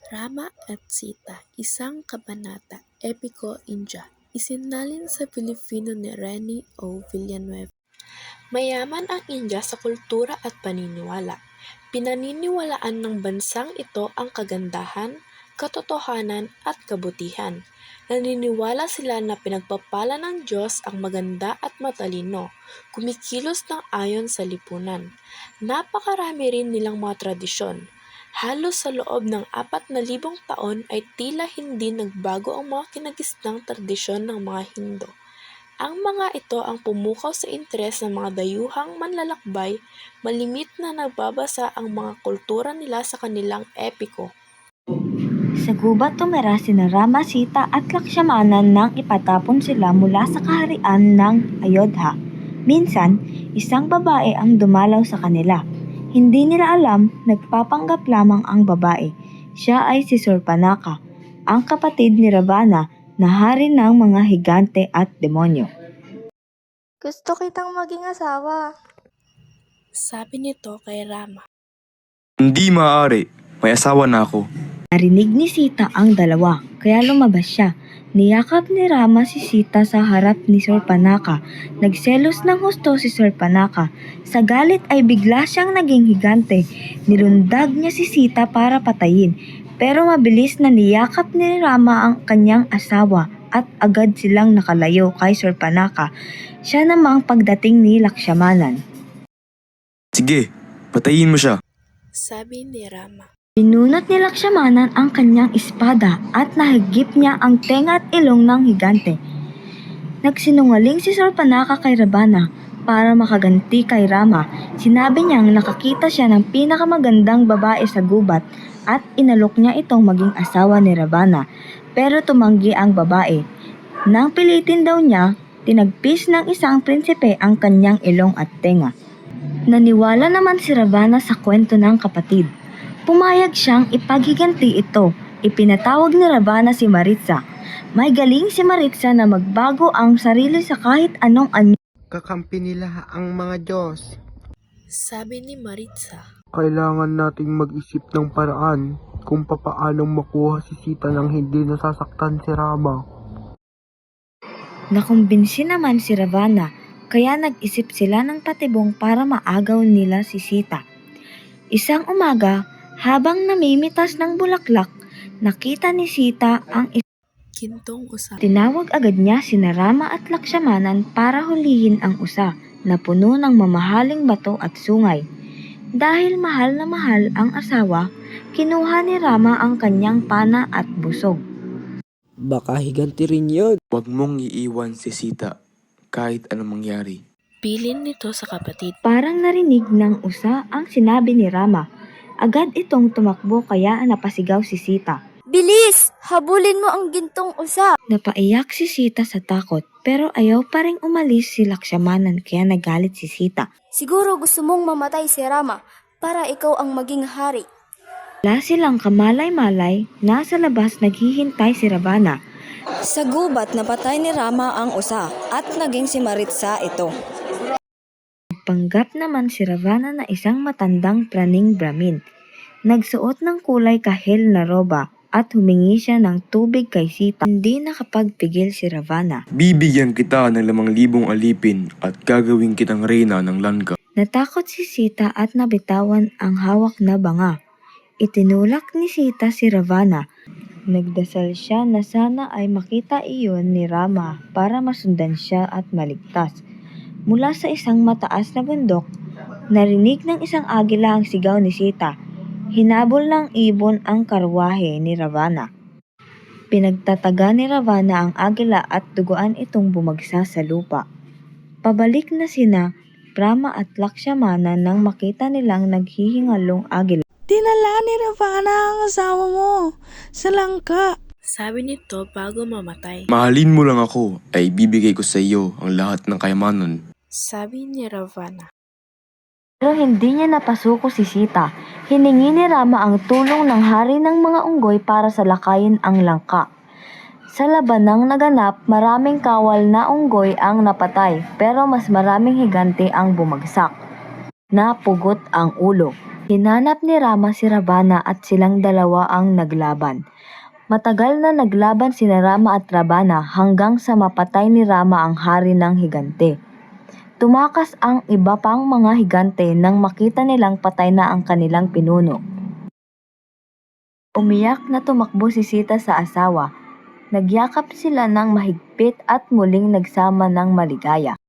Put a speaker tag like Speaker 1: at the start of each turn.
Speaker 1: Rama at Sita, isang kabanata, epiko India, isinalin sa Pilipino ni Rene O. Villanueva. Mayaman ang India sa kultura at paniniwala. Pinaniniwalaan ng bansang ito ang kagandahan, katotohanan at kabutihan. Naniniwala sila na pinagpapala ng Diyos ang maganda at matalino, kumikilos ng ayon sa lipunan. Napakarami rin nilang mga tradisyon. Halos sa loob ng 4,000 taon ay tila hindi nagbago ang mga kinagisnang tradisyon ng mga Hindo. Ang mga ito ang pumukaw sa interes ng mga dayuhang manlalakbay, malimit na nagbabasa ang mga kultura nila sa kanilang epiko.
Speaker 2: Sa gubat tumira sina Rama, Sita at Lakshmana nang ipatapon sila mula sa kaharian ng Ayodhya. Minsan, isang babae ang dumalaw sa kanila. Hindi nila alam, nagpapanggap lamang ang babae. Siya ay si Surpanaka, ang kapatid ni Ravana na hari ng mga higante at demonyo.
Speaker 3: Gusto kitang maging asawa.
Speaker 1: Sabi nito kay Rama.
Speaker 4: Hindi maaari, may asawa na ako.
Speaker 2: Narinig ni Sita ang dalawa, kaya lumabas siya. Niyakap ni Rama si Sita sa harap ni Surpanaka. Nagselos ng husto si Surpanaka. Sa galit ay bigla siyang naging higante. Nilundag niya si Sita para patayin. Pero mabilis na niyakap ni Rama ang kanyang asawa at agad silang nakalayo kay Surpanaka. Siya namang pagdating ni Lakshmanan.
Speaker 4: Sige, patayin mo siya.
Speaker 1: Sabi ni Rama.
Speaker 2: Binunot ni Lakshmanan ang kanyang espada at nahigip niya ang tenga at ilong ng higante. Nagsinungaling si Surpanaka kay Ravana para makaganti kay Rama. Sinabi niyang nakakita siya ng pinakamagandang babae sa gubat at inalok niya itong maging asawa ni Ravana. Pero tumanggi ang babae. Nang pilitin daw niya, tinagpis ng isang prinsipe ang kanyang ilong at tenga. Naniwala naman si Ravana sa kwento ng kapatid. Pumayag siyang ipaghiganti ito. Ipinatawag ni Ravana si Maritsa. May galing si Maritsa na magbago ang sarili sa kahit anong anyo.
Speaker 5: Kakampi nila ang mga Diyos.
Speaker 1: Sabi ni Maritsa.
Speaker 5: Kailangan nating mag-isip ng paraan kung papaanong makuha si Sita nang hindi nasasaktan si Rama.
Speaker 2: Nakumbinsi naman si Ravana, kaya nag-isip sila ng patibong para maagaw nila si Sita. Isang umaga, habang namimitas ng bulaklak, nakita ni Sita ang
Speaker 1: Gintong usa.
Speaker 2: Tinawag agad niya sina Rama at Lakshmanan para hulihin ang usa na puno ng mamahaling bato at sungay. Dahil mahal na mahal ang asawa, kinuha ni Rama ang kanyang pana at busog.
Speaker 6: Baka higanti rin yun.
Speaker 4: Huwag mong iiwan si Sita kahit anong mangyari.
Speaker 1: Bilin nito sa kapatid.
Speaker 2: Parang narinig ng usa ang sinabi ni Rama. Agad itong tumakbo kaya napasigaw si Sita.
Speaker 3: Bilis! Habulin mo ang gintong usa.
Speaker 2: Napaiyak si Sita sa takot pero ayaw pa ring umalis si Lakshmanan kaya nagalit si Sita.
Speaker 3: Siguro gusto mong mamatay si Rama para ikaw ang maging hari.
Speaker 2: Wala silang kamalay-malay, nasa labas naghihintay si Ravana.
Speaker 7: Sa gubat napatay ni Rama ang usa at naging si Maritsa ito.
Speaker 2: Panggap naman si Ravana na isang matandang praning Brahmin. Nagsuot ng kulay kahel na roba at humingi siya ng tubig kay Sita. Hindi nakapagpigil si Ravana.
Speaker 4: Bibigyan kita ng 5,000 alipin at gagawin kitang reyna ng Lanka.
Speaker 2: Natakot si Sita at nabitawan ang hawak na banga. Itinulak ni Sita si Ravana. Nagdasal siya na sana ay makita iyon ni Rama para masundan siya at maligtas. Mula sa isang mataas na bundok, narinig ng isang agila ang sigaw ni Sita. Hinabol ng ibon ang karwahe ni Ravana. Pinagtataga ni Ravana ang agila at duguan itong bumagsa sa lupa. Pabalik na sina Rama at Lakshmana nang makita nilang naghihingalong agila.
Speaker 8: Dinala ni Ravana ang asawa mo sa langka.
Speaker 1: Sabi nito bago mamatay.
Speaker 4: Mahalin mo lang ako ay bibigay ko sa iyo ang lahat ng kayamanan.
Speaker 1: Sabi ni Ravana.
Speaker 2: Pero hindi niya napasuko si Sita. Hiningi ni Rama ang tulong ng hari ng mga unggoy para salakayin ang langka. Sa labanang naganap, maraming kawal na unggoy ang napatay pero mas maraming higante ang bumagsak. Napugot ang ulo. Hinanap ni Rama si Ravana at silang dalawa ang naglaban. Matagal na naglaban sina Rama at Ravana hanggang sa mapatay ni Rama ang hari ng higante. Tumakas ang iba pang mga higante nang makita nilang patay na ang kanilang pinuno. Umiyak na tumakbo si Sita sa asawa. Nagyakap sila ng mahigpit at muling nagsama ng maligaya.